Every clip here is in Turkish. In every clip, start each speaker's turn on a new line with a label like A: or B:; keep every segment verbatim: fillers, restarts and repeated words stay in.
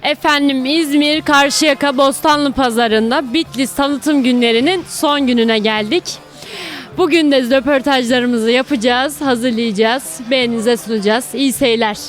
A: Efendim İzmir Karşıyaka Bostanlı Pazarı'nda Bitlis tanıtım günlerinin son gününe geldik. Bugün de röportajlarımızı yapacağız, hazırlayacağız, beğeninize sunacağız. İyi seyirler.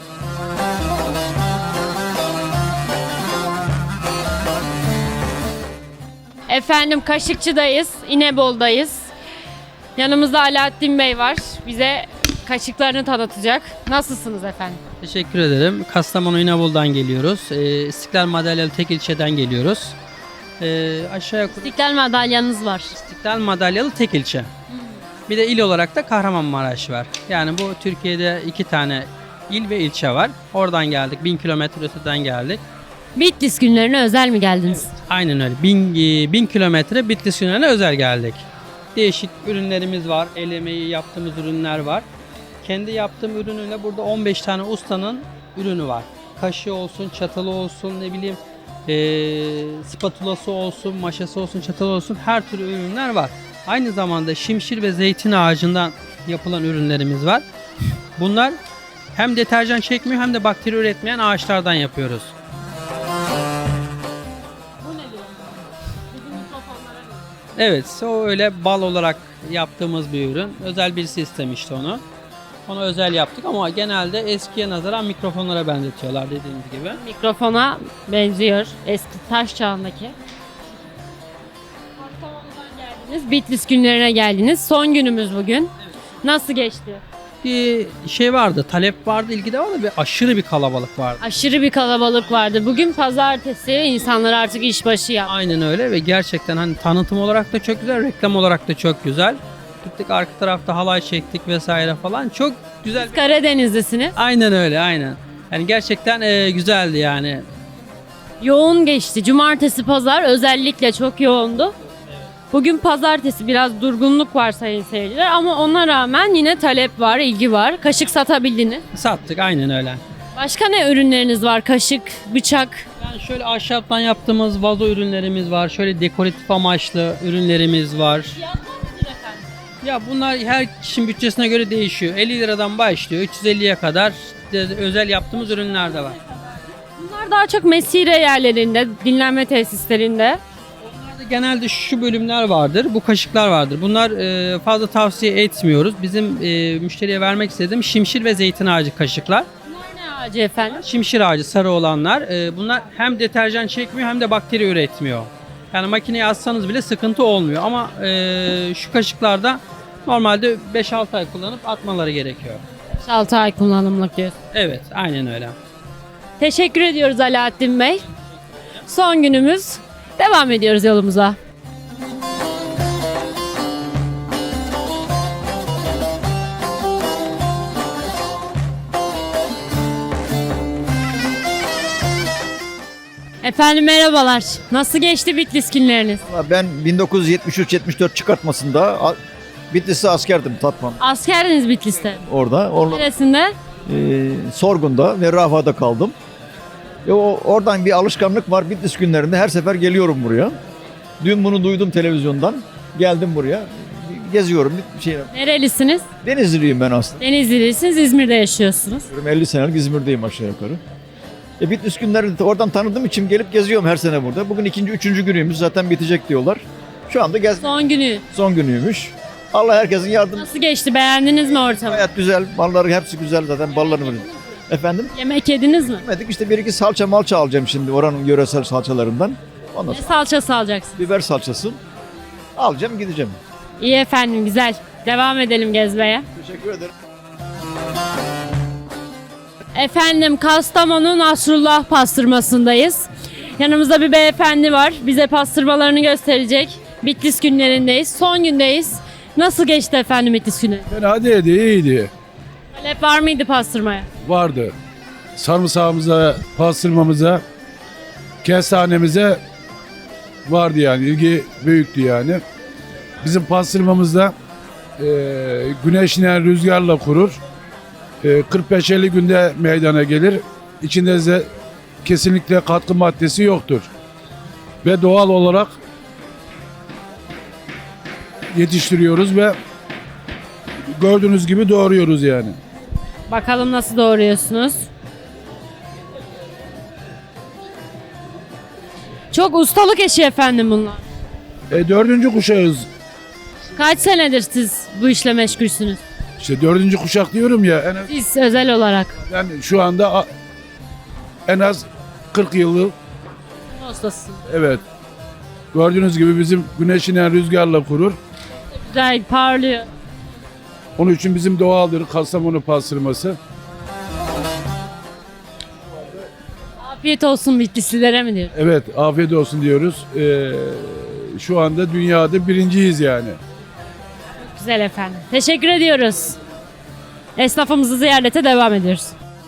A: Efendim Kaşıkçı'dayız, İnebolu'dayız. Yanımızda Alaaddin Bey var. Bize kaşıklarını tanıtacak. Nasılsınız efendim?
B: Teşekkür ederim. Kastamonu İnebolu'dan geliyoruz. Ee, İstiklal Madalyalı tek ilçeden geliyoruz. Ee, aşağı yukarı
A: İstiklal madalyanız var.
B: İstiklal Madalyalı tek ilçe. Bir de il olarak da Kahramanmaraş var. Yani bu Türkiye'de iki tane il ve ilçe var. Oradan geldik. Bin kilometre öteden geldik.
A: Bitlis günlerine özel mi geldiniz?
B: Aynen öyle. Bin, e, bin kilometre Bitlis günlerine özel geldik. Değişik ürünlerimiz var. El emeği yaptığımız ürünler var. Kendi yaptığım ürünüyle burada on beş tane ustanın ürünü var. Kaşığı olsun, çatalı olsun, ne bileyim ee, spatulası olsun, maşası olsun, çatalı olsun, her türlü ürünler var. Aynı zamanda şimşir ve zeytin ağacından yapılan ürünlerimiz var. Bunlar hem deterjan çekmiyor hem de bakteri üretmeyen ağaçlardan yapıyoruz. Evet, o öyle bal olarak yaptığımız bir ürün. Özel birisi istemişti onu. Onu özel yaptık ama genelde eskiye nazaran mikrofonlara benzetiyorlar dediğiniz gibi.
A: Mikrofona benziyor. Eski taş çağındaki. Kastamonu'dan geldiniz. Bitlis günlerine geldiniz. Son günümüz bugün. Nasıl geçti?
B: Bir şey vardı, talep vardı, ilgi de vardı. Bir aşırı bir kalabalık vardı.
A: Aşırı bir kalabalık vardı. Bugün pazartesi. İnsanlar artık işbaşı yaptı.
B: Aynen öyle ve gerçekten hani tanıtım olarak da çok güzel, reklam olarak da çok güzel. Gittik arka tarafta halay çektik vesaire falan. Çok güzel.
A: Karadenizlisiniz.
B: Aynen öyle, aynen. Yani gerçekten e, güzeldi yani.
A: Yoğun geçti. Cumartesi, pazar özellikle çok yoğundu. Bugün pazartesi biraz durgunluk var sayın seyirciler ama ona rağmen yine talep var, ilgi var. Kaşık satabildiniz.
B: Sattık, aynen öyle.
A: Başka ne ürünleriniz var? Kaşık, bıçak.
B: Yani şöyle ahşaptan yaptığımız vazo ürünlerimiz var. Şöyle dekoratif amaçlı ürünlerimiz var. Ya bunlar her kişinin bütçesine göre değişiyor. elli liradan başlıyor. üç yüz elliye kadar de özel yaptığımız ürünler de var.
A: Bunlar daha çok mesire yerlerinde, dinlenme tesislerinde.
B: Bunlarda genelde şu bölümler vardır. Bu kaşıklar vardır. Bunlar e, fazla tavsiye etmiyoruz. Bizim e, müşteriye vermek istediğim şimşir ve zeytin ağacı kaşıklar.
A: Bunlar ne ağacı efendim?
B: Şimşir ağacı sarı olanlar. E, bunlar hem deterjan çekmiyor hem de bakteri üretmiyor. Yani makineye atsanız bile sıkıntı olmuyor. Ama e, şu kaşıklarda normalde beş altı ay kullanıp atmaları gerekiyor.
A: altı ay kullanımlık diyorsun.
B: Evet, aynen öyle.
A: Teşekkür ediyoruz Alaaddin Bey. Son günümüz. Devam ediyoruz yolumuza. Efendim merhabalar. Nasıl geçti Bitlis günleriniz?
C: Ben bin dokuz yüz yetmiş üç yetmiş dört çıkartmasında a- Bitlis'te askerdim Tatvan
A: Askerdiniz Bitlis'te.
C: orada. Orada
A: Neresinde?
C: e, Sorgun'da ve Rafa'da kaldım. E, o, oradan bir alışkanlık var. Bitlis günlerinde her sefer geliyorum buraya. Dün bunu duydum televizyondan. Geldim buraya. Geziyorum. Bir şey.
A: Nerelisiniz?
C: Denizliliyim ben aslında.
A: Denizlilisiniz, İzmir'de yaşıyorsunuz.
C: elli senelik İzmir'deyim aşağı yukarı. E, Bitlis günlerini de oradan tanıdığım için gelip geziyorum her sene burada. Bugün ikinci, üçüncü günüymüş. Zaten bitecek diyorlar. Şu anda gez
A: Son günü.
C: son günüymüş. Allah herkesin yardımcısı.
A: Nasıl geçti? Beğendiniz mi ortamı?
C: Gayet güzel. Malları hepsi güzel zaten. Ballarını verin. Efendim?
A: Yemek yediniz mi?
C: Yemedik işte bir iki salça malça alacağım şimdi oranın yöresel salçalarından. Ondan
A: Ne
C: sonra
A: salçası alacaksınız?
C: biber salçası alacağım gideceğim.
A: İyi efendim, güzel. Devam edelim gezmeye.
C: Teşekkür ederim.
A: Efendim Kastamonu Nasrullah pastırmasındayız. Yanımızda bir beyefendi var. Bize pastırmalarını gösterecek. Bitlis günlerindeyiz. Son gündeyiz. Nasıl geçti efendim Bitlis günü?
D: Fena değildi, iyiydi.
A: Talep var mıydı pastırmaya?
D: Vardı. Sarımsağımıza, pastırmamıza, kestanemize vardı yani. İlgi büyüktü yani. Bizim pastırmamızda e, güneşle, rüzgarla kurur. E, kırk beş elli günde meydana gelir. İçinde de kesinlikle katkı maddesi yoktur. Ve doğal olarak yetiştiriyoruz ve gördüğünüz gibi doğruyoruz yani.
A: Bakalım nasıl doğruyorsunuz? Çok ustalık eşi efendim bunlar.
D: E, dördüncü kuşağız.
A: Kaç senedir siz bu işle meşgulsünüz?
D: İşte dördüncü kuşak diyorum ya. En az,
A: Siz özel olarak.
D: ben şu anda a- en az kırk yıllık.
A: Ustasısınız.
D: Evet. Gördüğünüz gibi bizim güneş inen rüzgarla kurur.
A: Güzel parlıyor.
D: Onun için bizim doğaldır Kastamonu pastırması.
A: Afiyet olsun Bitlislilere mi diyor?
D: Evet, afiyet olsun diyoruz. Ee, şu anda dünyada birinciyiz yani.
A: Güzel efendim. Teşekkür ediyoruz. Esnafımızı ziyarete devam ediyoruz.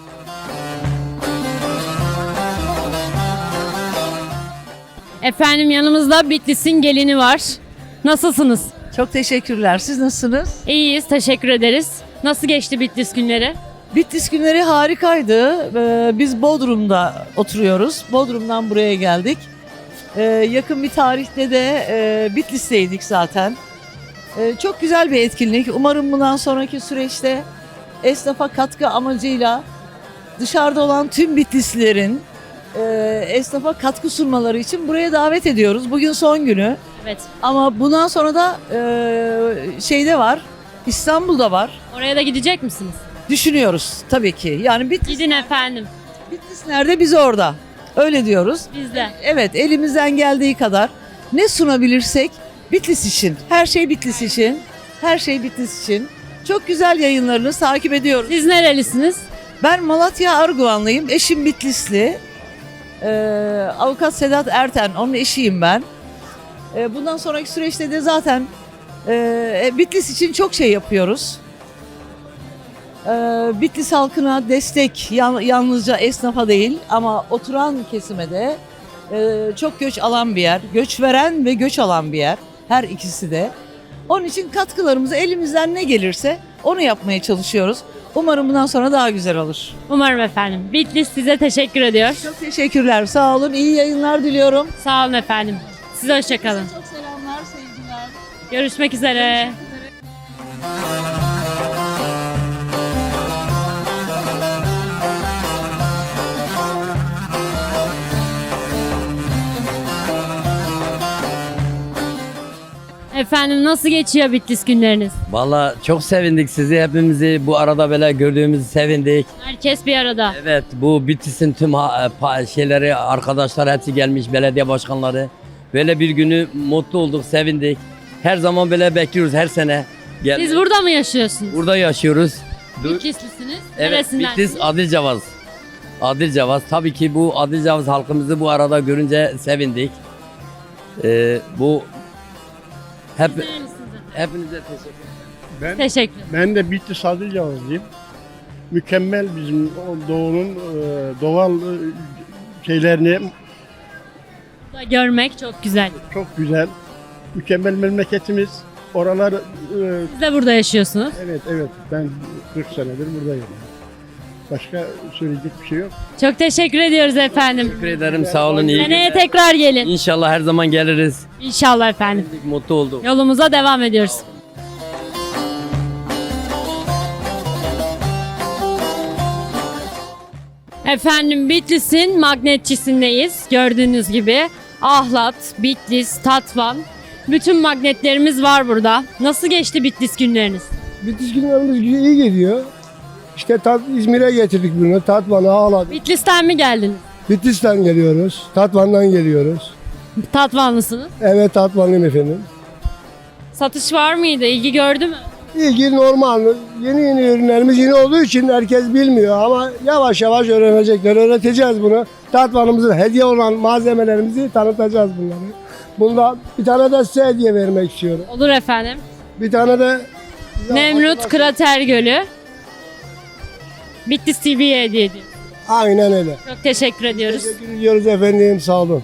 A: Efendim yanımızda Bitlis'in gelini var. Nasılsınız?
E: Çok teşekkürler. Siz nasılsınız?
A: İyiyiz, teşekkür ederiz. Nasıl geçti Bitlis günleri?
E: Bitlis günleri harikaydı. Ee, Biz Bodrum'da oturuyoruz. Bodrum'dan buraya geldik. Ee, Yakın bir tarihte de e, Bitlis'teydik zaten. Ee, Çok güzel bir etkinlik. Umarım bundan sonraki süreçte esnafa katkı amacıyla dışarıda olan tüm Bitlislilerin e, esnafa katkı sunmaları için buraya davet ediyoruz. Bugün son günü.
A: Evet.
E: Ama bundan sonra da e, şeyde var, İstanbul'da var.
A: Oraya da gidecek misiniz?
E: Düşünüyoruz tabii ki. Yani Bitlis,
A: Gidin efendim.
E: Bitlis nerede biz orada. Öyle diyoruz.
A: Biz de.
E: Evet elimizden geldiği kadar ne sunabilirsek Bitlis için. Her şey Bitlis için. Her şey Bitlis için. Çok güzel yayınlarınızı takip ediyoruz.
A: Siz nerelisiniz?
E: Ben Malatya Arguvanlıyım. Eşim Bitlisli. Ee, Avukat Sedat Erten. Onun eşiyim ben. Ee, bundan sonraki süreçte de zaten e, Bitlis için çok şey yapıyoruz. Ee, Bitlis halkına destek yan- yalnızca esnafa değil ama oturan kesime de e, çok göç alan bir yer. Göç veren ve göç alan bir yer. Her ikisi de. Onun için katkılarımızı elimizden ne gelirse onu yapmaya çalışıyoruz. Umarım bundan sonra daha güzel olur.
A: Umarım efendim. Bitlis size teşekkür ediyor.
E: Çok teşekkürler. Sağ olun. İyi yayınlar diliyorum.
A: Sağ olun efendim. Size hoşçakalın.
E: Çok selamlar, sevgiler.
A: Görüşmek üzere. Efendim nasıl geçiyor Bitlis günleriniz?
F: Valla çok sevindik sizi hepimizi bu arada böyle gördüğümüzü sevindik.
A: Herkes bir arada.
F: Evet bu Bitlis'in tüm ha- pa- şeyleri arkadaşlar hepsi gelmiş belediye başkanları. Böyle bir günü mutlu olduk sevindik. Her zaman böyle bekliyoruz her sene. Gel-
A: Siz burada mı yaşıyorsunuz?
F: Burada yaşıyoruz. Du-
A: Bitlislisiniz.
F: Evet
A: Neresindensiniz?
F: Bitlis Adilcavaz. Adilcavaz tabii ki bu Adilcavaz halkımızı bu arada görünce sevindik. Ee, bu hep
A: Nerelisiniz?
F: hepinize teşekkür ederim.
G: Ben,
A: Teşekkür.
G: ben de Bitlis Adilcavazlıyım. Mükemmel bizim o doğunun e, doğal e, şeylerini
A: Burada görmek çok güzel.
G: çok güzel. Mükemmel memleketimiz. Oralar e,
A: Siz de burada yaşıyorsunuz.
G: evet evet ben kırk senedir buradayım. Başka söyleyecek bir şey yok.
A: Çok teşekkür ediyoruz efendim.
F: Teşekkür ederim sağ olun. iyi
A: Seneye
F: günler.
A: tekrar gelin.
F: İnşallah her zaman geliriz.
A: İnşallah efendim.
F: Mutlu olduk.
A: Yolumuza devam ediyoruz. Efendim Bitlis'in magnetçisindeyiz. Gördüğünüz gibi Ahlat, Bitlis, Tatvan. Bütün magnetlerimiz var burada. Nasıl geçti Bitlis günleriniz?
H: Bitlis günlerimiz iyi gidiyor. İşte tat, İzmir'e getirdik bunu. Tatvan'a ağladık.
A: Bitlis'ten mi geldiniz?
H: Bitlis'ten geliyoruz. Tatvan'dan geliyoruz.
A: Tatvanlısınız.
H: Evet Tatvanlıyım efendim.
A: Satış var mıydı? İlgi gördü mü?
H: İlgi normal. Yeni yeni ürünlerimiz yeni olduğu için herkes bilmiyor ama yavaş yavaş öğrenecekler. Öğreteceğiz bunu. Tatvan'ımızın hediye olan malzemelerimizi tanıtacağız bunları. Bunda bir tane de size hediye vermek istiyorum.
A: Olur efendim.
H: Bir tane de
A: Nemrut Krater Gölü. Bitlis T V'ye hediye ediyor.
H: Aynen öyle.
A: Çok teşekkür ediyoruz.
H: Teşekkür ediyoruz efendim. Sağ olun.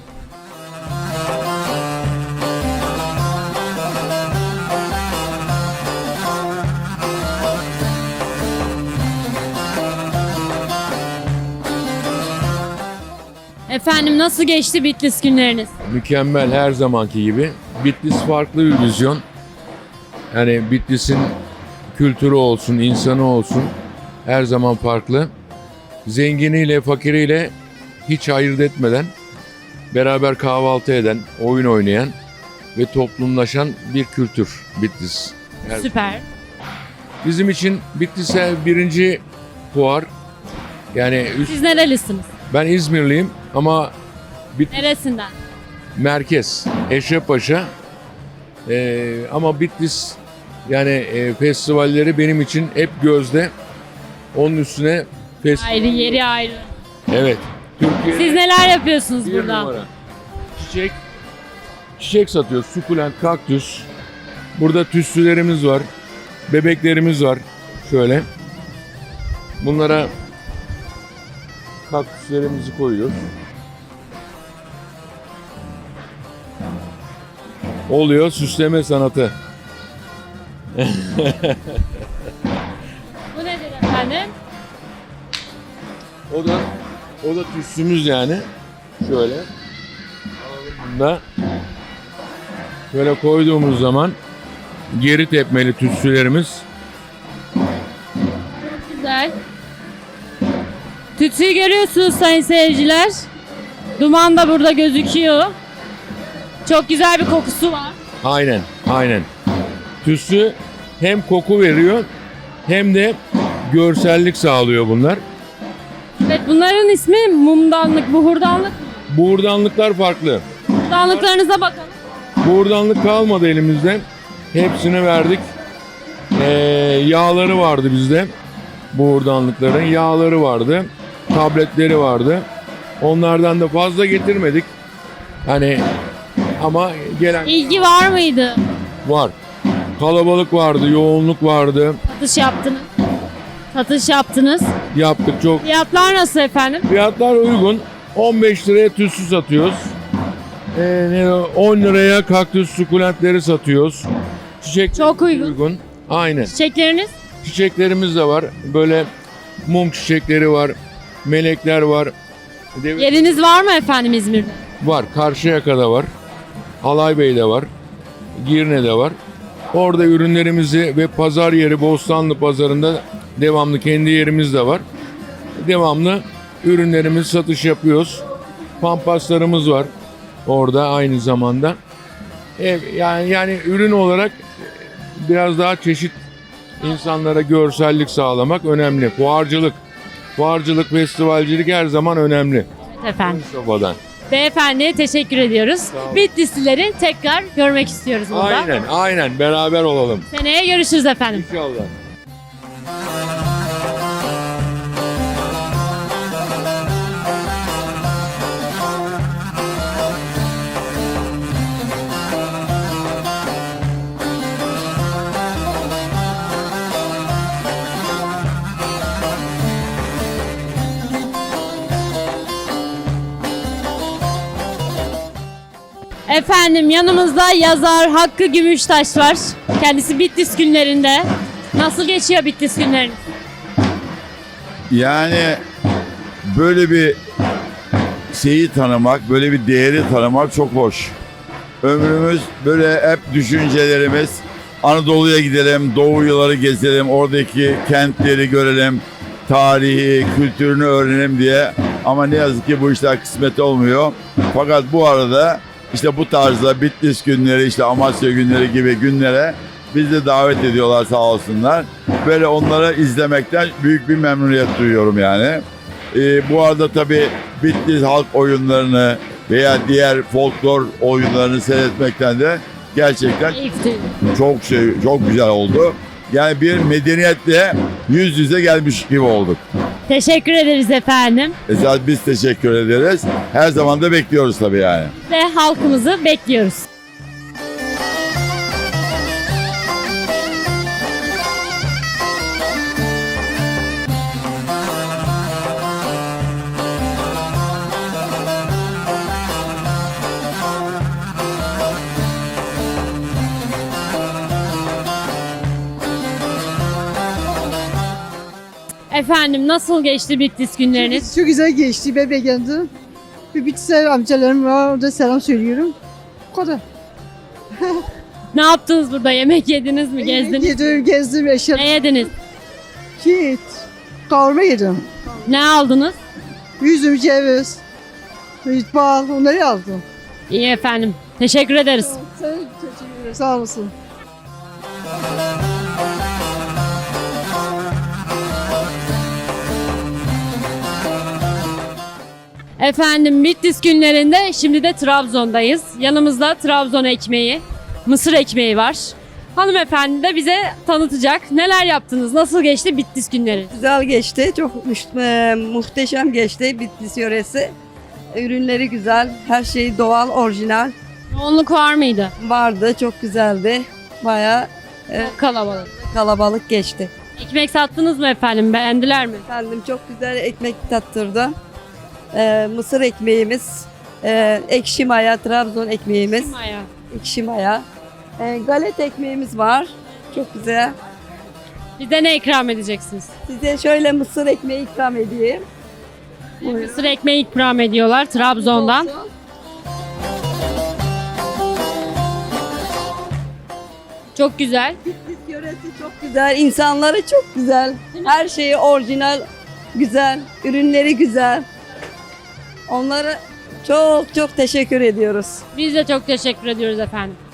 A: Efendim nasıl geçti Bitlis günleriniz?
I: Mükemmel her zamanki gibi. Bitlis farklı bir vizyon. Yani Bitlis'in kültürü olsun, insanı olsun her zaman farklı. Zenginiyle, fakiriyle hiç ayırt etmeden beraber kahvaltı eden, oyun oynayan ve toplumlaşan bir kültür Bitlis. Her-
A: Süper.
I: Bizim için Bitlis'e birinci fuar. Yani üst-
A: Siz nerelisiniz?
I: ben İzmirliyim ama Bitlis
A: Neresinden?
I: merkez, Eşrefpaşa. Ee, ama Bitlis yani e, festivalleri benim için hep gözde. Onun üstüne festival.
A: Ayrı yeri ayrı.
I: Evet. Türkiye
A: Siz neler yapıyorsunuz
I: bir
A: burada?
I: numara. Çiçek, çiçek satıyoruz. Sukulent, kaktüs. Burada tütsülerimiz var. Bebeklerimiz var. Şöyle. Bunlara kaktüslerimizi koyuyoruz. Oluyor süsleme sanatı.
A: Bu nedir efendim?
I: O da o da tütsümüz yani. Şöyle. Bunda şöyle koyduğumuz zaman geri tepmeli tütsülerimiz.
A: Güzel. Tütsüyü görüyorsunuz sayın seyirciler. Duman da burada gözüküyor. Çok güzel bir kokusu var.
I: Aynen, aynen. Tütsü hem koku veriyor hem de görsellik sağlıyor bunlar.
A: Evet, bunların ismi mumdanlık, buhurdanlık.
I: Buğurdanlıklar farklı.
A: Buhurdanlıklarınıza bakalım.
I: Buğurdanlık kalmadı elimizde. Hepsini verdik. Ee, yağları vardı bizde. Buğurdanlıkların yağları vardı. Tabletleri vardı. Onlardan da fazla getirmedik. Hani ama gelen
A: İlgi var mıydı?
I: var. Kalabalık vardı, yoğunluk vardı.
A: Satış yaptınız. Satış yaptınız.
I: Yaptık çok.
A: Fiyatlar nasıl efendim?
I: Fiyatlar uygun. on beş liraya tütsü satıyoruz. Ee, ne o, on liraya kaktüs sukulentleri satıyoruz. Çiçek
A: Çok uygun.
I: Aynen.
A: Çiçekleriniz?
I: Çiçeklerimiz de var. Böyle mum çiçekleri var. Melekler var. Dev-
A: Yeriniz var mı efendim İzmir'de?
I: Var. Karşıyaka'da var. Alaybey'de var. Girne'de var. Orada ürünlerimizi ve pazar yeri Bostanlı pazarında devamlı kendi yerimiz de var. Devamlı ürünlerimizi satış yapıyoruz. Pampaslarımız var. Orada aynı zamanda. E, yani yani ürün olarak biraz daha çeşit insanlara görsellik sağlamak önemli. Fuarcılık, fuarcılık, festivalcilik her zaman önemli.
A: Evet efendim.
I: Kafadan.
A: Beyefendiye teşekkür ediyoruz.
I: olun.
A: Bitlislileri tekrar görmek istiyoruz burada.
I: Aynen, aynen. Beraber olalım.
A: Seneye görüşürüz efendim.
I: İnşallah.
A: Efendim yanımızda yazar Hakkı Gümüştaş var. Kendisi Bitlis günlerinde. Nasıl geçiyor Bitlis günleriniz?
J: Yani böyle bir şeyi tanımak, böyle bir değeri tanımak çok hoş. Ömrümüz böyle hep düşüncelerimiz Anadolu'ya gidelim, Doğu yılları gezelim, oradaki kentleri görelim, tarihi, kültürünü öğrenelim diye. Ama ne yazık ki bu işler kısmet olmuyor. Fakat bu arada işte bu tarzda Bitlis günleri, işte Amasya günleri gibi günlere bizi de davet ediyorlar sağ olsunlar. Böyle onları izlemekten büyük bir memnuniyet duyuyorum yani. Ee, bu arada tabii Bitlis halk oyunlarını veya diğer folklor oyunlarını seyretmekten de gerçekten
A: Keyifli.
J: çok şey, çok güzel oldu. Yani bir medeniyetle yüz yüze gelmiş gibi olduk.
A: Teşekkür ederiz efendim.
J: Esas biz teşekkür ederiz. Her zaman da bekliyoruz tabii yani.
A: Ve halkımızı bekliyoruz. Efendim nasıl geçti Bitlis günleriniz?
K: Çok güzel geçti. Bebe geldi. Bir Bitlis'e amcalarım var. Orada selam söylüyorum. Bu kadar.
A: Ne yaptınız burada? Yemek yediniz mi? Gezdiniz?
K: Yedim, gezdim, eşya.
A: Ne yediniz?
K: Git. Kavurma yedim.
A: Ne aldınız?
K: Üzüm, ceviz. İtbal, onları yazdım.
A: İyi efendim. Teşekkür ederiz.
K: Sen teşekkür ederim. Sağ olasın.
A: Efendim Bitlis günlerinde şimdi de Trabzon'dayız. Yanımızda Trabzon ekmeği, mısır ekmeği var. Hanımefendi de bize tanıtacak. Neler yaptınız? Nasıl geçti Bitlis günleri?
L: Güzel geçti. Çok müş- e, muhteşem geçti Bitlis yöresi. Ürünleri güzel. Her şey doğal, orijinal.
A: Yoğunluk var mıydı?
L: Vardı. Çok güzeldi. Bayağı e,
A: Kalabalık.
L: kalabalık geçti.
A: Ekmek sattınız mı efendim? Beğendiler mi?
L: Efendim çok güzel ekmek tattırdı. E, mısır ekmeğimiz, e, ekşi maya, Trabzon ekmeğimiz,
A: Maya.
L: ekşi maya. E, galet ekmeğimiz var. Çok güzel.
A: Bize ne ikram edeceksiniz?
L: Size şöyle mısır ekmeği ikram edeyim.
A: Mısır ekmeği ikram ediyorlar Trabzon'dan.
L: Olsun.
A: Çok güzel.
L: Bitlis yöresi çok güzel, insanları çok güzel. Her şeyi orijinal, güzel, ürünleri güzel. Onlara çok çok teşekkür ediyoruz.
A: Biz de çok teşekkür ediyoruz efendim.